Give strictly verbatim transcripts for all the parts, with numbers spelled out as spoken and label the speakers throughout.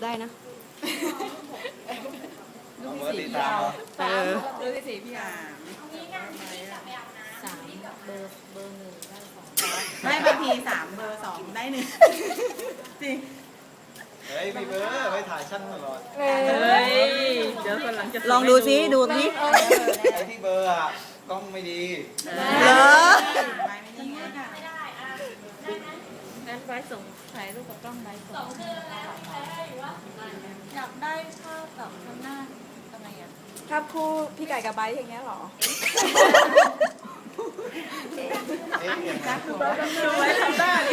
Speaker 1: ได้นะ
Speaker 2: เอาเบอร์ตีตามเหรอ
Speaker 1: เออ
Speaker 3: ดูสิพี่อ่ะ
Speaker 4: สามเบอร์เบอร์หนึ่งได้สอง
Speaker 3: ไม่บางทีสามเบอร์สองได้หนึ่งจริง
Speaker 2: เฮ้ยมีเบอร์ไม่ถ่ายช่างตลอด
Speaker 3: เฮ้ยเดี๋ยวคนหลังจะ
Speaker 1: ลองดูซิดูสิ
Speaker 2: ไอ้ที่เบอร์อะกล้องไม่ดี
Speaker 1: เหรอ
Speaker 3: ไม่ไม่นี่ไงค่ะ
Speaker 4: งั้นไว้ส่งถ่ายรูปกับกล้องไว้ส่ง
Speaker 5: อยากได้ภาพแบบข้างหน้าทำไมอ่ะ
Speaker 6: ภาพคู่พี่ไก่กับไบร์ทอย่างเงี้ยเหรอ
Speaker 2: เอ๊ะอย่างนั้น
Speaker 3: ดูไว้ทำได้ดิ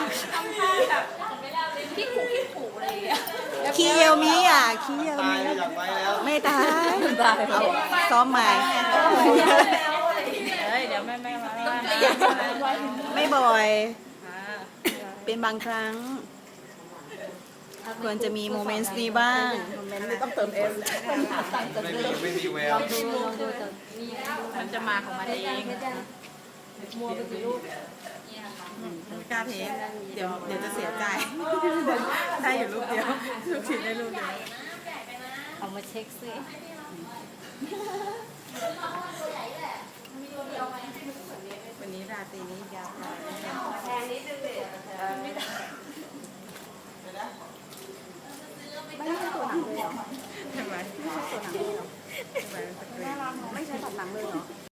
Speaker 5: พี่ขู่พี่ขู่อะไรอย่างเงี้ย
Speaker 1: ขี้เยียวมีอ่ะขี้เยียว
Speaker 2: ตาย
Speaker 1: มี
Speaker 2: แล้วอยากไปแล้ว
Speaker 1: ไม่ตายเอาซ้อมใหม่
Speaker 3: เฮ้ยเดี๋ยวแม่แม่มาว่านะ
Speaker 1: ไม่บ่อย เป็นบางครั้ง ควรจะมีโมเมนต์นี้บ้าง
Speaker 3: ไม่ต้องเติมเอ็ม
Speaker 2: ไม่มีไม่มีแวว
Speaker 4: ดูลองดูแต่มี
Speaker 3: มันจะมาของมันเอง
Speaker 4: มัวไปกี่รูป
Speaker 3: ไม่กล้าเทสเดี๋ยวเดี๋ยวจะเสียใจ ได้อยู่รูปเดียวลูกชิ้นได้รูปเดียว
Speaker 4: เอามาเช็คซิ
Speaker 3: วันนี้ราตรีนี้ยาวไป
Speaker 5: แพงนิดนึงเลย